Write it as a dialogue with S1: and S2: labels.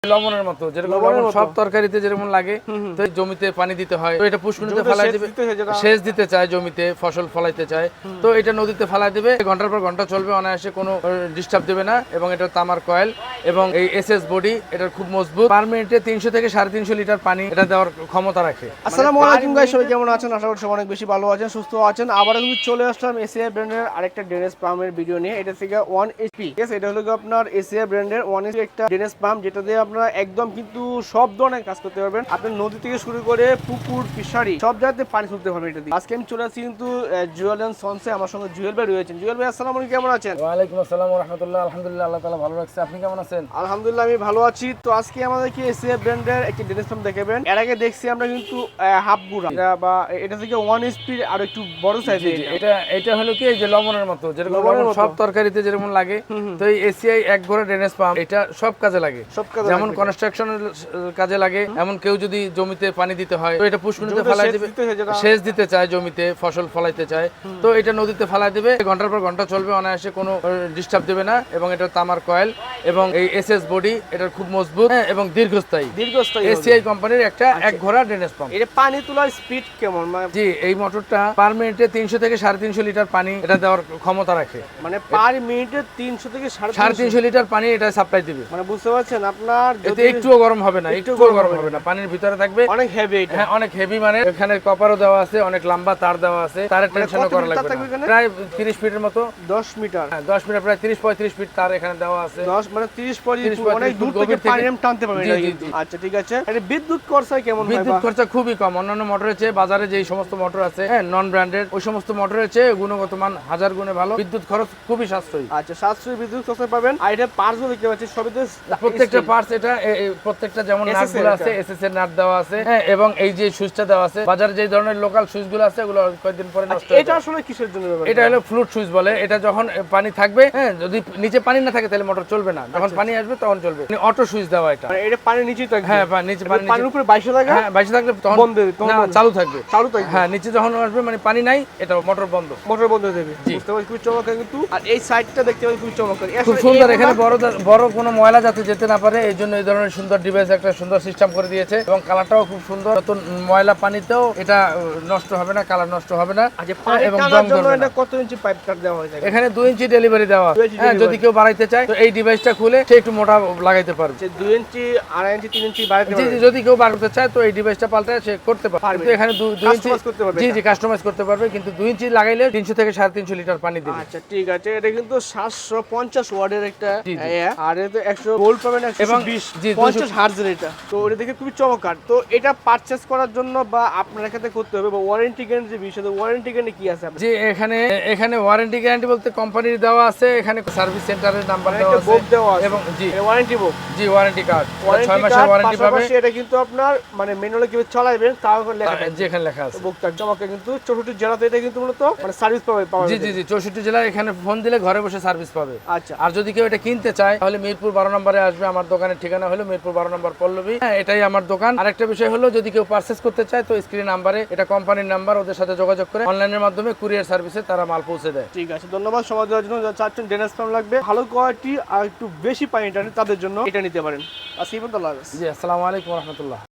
S1: লবণের মতো যেরকম লবণ সব তরকারিতে যেরকম লাগে, তো জমিতে পানি দিতে হয়, তো এটা পুষ্কুনিতে ফেলাই দিবে। সেচ দিতে চায়, জমিতে ফসল ফলাইতে চায়, তো এটা নদীতে ফেলাই দিবে। ঘন্টার পর ঘন্টা চলবে, অনায়াসে কোনো ডিস্টার্ব দেবে না। এবং এটা তামার কয়েল এবং এই এসএস বডি, এটা খুব মজবুত। পার মিনিটে 300 থেকে 350 লিটার পানি এটা দেওয়ার ক্ষমতা রাখে।
S2: আসসালামু আলাইকুম গাইস, সবাই কেমন আছেন? আশা করি সবাই অনেক বেশি ভালো আছেন, সুস্থ আছেন। আবার কিন্তু চলে আসলাম এসিআই ব্র্যান্ডের আরেকটা ড্রেনেজ পাম্পের ভিডিও নিয়ে। এটা থেকে 1HP, ঠিক আছে? এটা হলো আপনার এসিআই ব্র্যান্ডের 1HP একটা ড্রেনেজ পাম্প, যেটা দিয়ে আপনারা একদম কিন্তু সব ধরনের কাজ করতে পারবেন। আপনি নদী থেকে শুরু করে পুকুর, ফিশারি সব জায়গাতে পানি তুলতে পারবেন এটা দিয়ে। আজকে আমি চলে আসছি কিন্তু জুয়েল এন্ড সন্সে। আমার সঙ্গে জুয়েল ভাই রয়েছেন। জুয়েল ভাই আসসালামু আলাইকুম, কেমন আছেন?
S1: ওয়ালাইকুম আসসালাম ওয়া রাহমাতুল্লাহ। আলহামদুলিল্লাহ, আল্লাহ তাআলা ভালো রাখছে। আপনি কেমন আছেন?
S2: আলহামদুলিল্লাহ, আমি ভালো আছি। তো আজকে আমাদেরকে এসিআই ব্র্যান্ডের একটি ড্রেনেজ পাম্প দেখাবেন। এর আগে দেখছি আমরা কিন্তু হাফগুড়া বা এটা থেকে 1HP আর একটু বড় সাইজের।
S1: এটা হলো কি, এই যে লবণের মতো যেরকম লবণ সব তরকারিতে যেরকম লাগে, তো এই এসিআই এক ঘোড়া ড্রেনেজ পাম্প এটা সব কাজে লাগে। যেমন কনস্ট্রাকশনের কাজে লাগে, এমন কেউ যদি জমিতে পানি দিতে হয়, তো এটা পুষ্কুনিতে ফেলাই দিবে। সেচ দিতে চায়, জমিতে ফসল ফলাইতে চায়, তো এটা নদীতে ফেলাই দিবে। ঘন্টার পর ঘন্টা চলবে, অনায়াসে কোনো ডিস্টার্ব দেবে না। এবং এটা তামার কয়েল এবং এই এসএস বডি, এটা খুব মজবুত এবং দীর্ঘস্থায়ী। এসিআই কোম্পানির একটা এক ঘোড়া ড্রেনেজ পাম্প।
S2: এটা পানি তোলার স্পিড কেমন?
S1: জি, এই মোটরটা পার মিনিটে 300 থেকে 350 লিটার পানি এটা দেওয়ার ক্ষমতা রাখে।
S2: মানে পার মিনিটে 300 থেকে
S1: 350 লিটার পানি এটা সাপ্লাই দিবে।
S2: মানে বুঝতে পারছেন আপনার,
S1: এতে একটুও গরম হবে না, একটুও গরম হবে না। পানির ভিতরে থাকবে,
S2: অনেক হেভি এটা।
S1: হ্যাঁ, অনেক হেভি। মানে এখানে কপারও দেওয়া আছে, অনেক লম্বা তার দেওয়া আছে, তারের টেনশনও করা লাগবে না। প্রায় 30 ফিটের মতো,
S2: 10 মিটার।
S1: হ্যাঁ 10 মিটার, প্রায় 30-35 ফিট তার এখানে দেওয়া আছে।
S2: 10 মানে 30-35 অনেক দূর থেকে পানি টানতে পারবেন এটা কিন্তু। আচ্ছা, ঠিক আছে। এটা বিদ্যুৎ খরচা কেমন হয়?
S1: বিদ্যুৎ খরচা খুবই কম। অন্যান্য মোটরের চেয়ে, বাজারে যে সমস্ত মোটর আছে, হ্যাঁ, নন ব্র্যান্ডেড, ওই সমস্ত মোটরের চেয়ে গুণগত মান 1000 গুণে ভালো। বিদ্যুৎ খরচ খুবই সাশ্রয়ী।
S2: আচ্ছা, সাশ্রয়ী বিদ্যুৎ খরচা পাবেন। আর এটা পার্টসও দেখতে পাচ্ছি সবই তো
S1: প্রত্যেকটা পার্টস, এটা প্রত্যেকটা যেমন নাটগুলো আছে, এসএস এর নাট দেওয়া আছে, হ্যাঁ, এবং এই যে সুইচটা দেওয়া আছে। বাজারে যে ধরনের লোকাল সুইচগুলো আছে, এগুলো কয়েকদিন পরে নষ্ট হয়ে যায়।
S2: এটা আসলে কিসের জন্য ব্যবহার?
S1: এটা হলো ফ্লুট সুইচ বলে। এটা যখন পানি থাকবে, হ্যাঁ, যদি নিচে পানি না থাকে তাহলে মোটর চলবে না, যখন পানি আসবে তখন চলবে। অটো সুইচ দেওয়া এটা।
S2: মানে এটা পানির নিচেই থাকবে?
S1: হ্যাঁ, নিচে পানির
S2: উপরে 22 থাকে,
S1: হ্যাঁ 22 থাকলে তখন
S2: বন্ধ হবে, তখন
S1: চালু থাকবে। হ্যাঁ, নিচে যখন আসবে মানে পানি নাই, এটা মোটর বন্ধ,
S2: মোটর বন্ধ হয়ে যাবে। বুঝতে পারছি, খুব চমৎকার কিন্তু। আর এই সাইডটা দেখতে পাচ্ছি খুব চমৎকার,
S1: খুব সুন্দর। এখানে বড় কোনো ময়লা যাতে যেতে না পারে, এই জন্য এই ধরনের সুন্দর ডিভাইস, একটা সুন্দর সিস্টেম করে দিয়েছে। এবং কালারটাও খুব সুন্দর। নতুন ময়লা পানিতেও এটা নষ্ট হবে না, কালার নষ্ট হবে না।
S2: এবং জং ধরবে না। কত ইঞ্চি পাইপ কাট দেওয়া হয়েছে?
S1: এখানে 2 ইঞ্চি ডেলিভারি দেওয়া। হ্যাঁ, যদি কেউ বাড়াইতে চায় তো এই ডিভাইসটা খুলে সে একটু মোটা লাগাইতে পারবে।
S2: 2 ইঞ্চি, 2.5 ইঞ্চি, 3 ইঞ্চি বাড়াইতে পারবে।
S1: যদি কেউ বাড়াতে চায় তো এই ডিভাইসটা পাল্টায় সে করতে পারবে। কিন্তু এখানে 2 ইঞ্চি
S2: করতে পারবে।
S1: জি, কাস্টমাইজ করতে পারবে। কিন্তু 2 ইঞ্চি লাগাইলে 300 থেকে 350 লিটার পানি দিবে।
S2: আচ্ছা, ঠিক আছে। এটা কিন্তু 750 ওয়াটের একটা, আর এতে 100 ভোল্ট পাবেন, 120 50 হার্টজের এটা। তো এটা দেখে খুবই চমৎকার। তো এটা পারচেজ করার জন্য বা আপনার কাছে করতে হবে, বা ওয়ারেন্টি গ্যারান্টি বিষয়ে ওয়ারেন্টি গ্যারান্টি কি আছে আপনার?
S1: জি, এখানে ওয়ারেন্টি গ্যারান্টি বলতে কোম্পানির দেওয়া আছে। এখানে সার্ভিস সেন্টারের নাম্বার দেওয়া আছে এবং G
S2: warranty book,
S1: G warranty card, 6 মাসের ওয়ারেন্টি পাবে।
S2: এটা কিন্তু আপনার মানে ম্যানুয়ালি কিভাবে চালাবেন তাও লেখা আছে,
S1: জি এখানে লেখা আছে।
S2: বুকটা চমৎকার কিন্তু। 64 জেলাতে এটা কিন্তু মূলত মানে সার্ভিস পাবে।
S1: জি 64 জেলায় এখানে ফোন দিলে ঘরে বসে সার্ভিস পাবে।
S2: আচ্ছা,
S1: আর যদি কেউ এটা কিনতে চায় তাহলে মিরপুর 12 নম্বরে আসবে। আমার দোকানের ঠিকানা হলো মিরপুর 12 নম্বর পল্লবী, হ্যাঁ, এটাই আমার দোকান। আরেকটা বিষয় হলো, যদি কেউ পারচেজ করতে চায় তো স্ক্রিন নাম্বারে, এটা কোম্পানির নাম্বার, ওদের সাথে যোগাযোগ করে অনলাইনের মাধ্যমে কুরিয়ার সার্ভিসে তারা মাল পৌঁছে দেয়।
S2: ঠিক আছে, ধন্যবাদ। সময় দেওয়ার জন্য। যারা চাচ্ছেন ড্রেনেজ পাম্প লাগবে, ভালো কোয়ালিটি আর একটু বেশি পানি টানে, তাদের জন্য এটা নিতে পারেন। আসি বন্ধু, আল্লাহ হাফেজ।
S1: জি, আসসালামু আলাইকুম ওয়া রাহমাতুল্লাহ।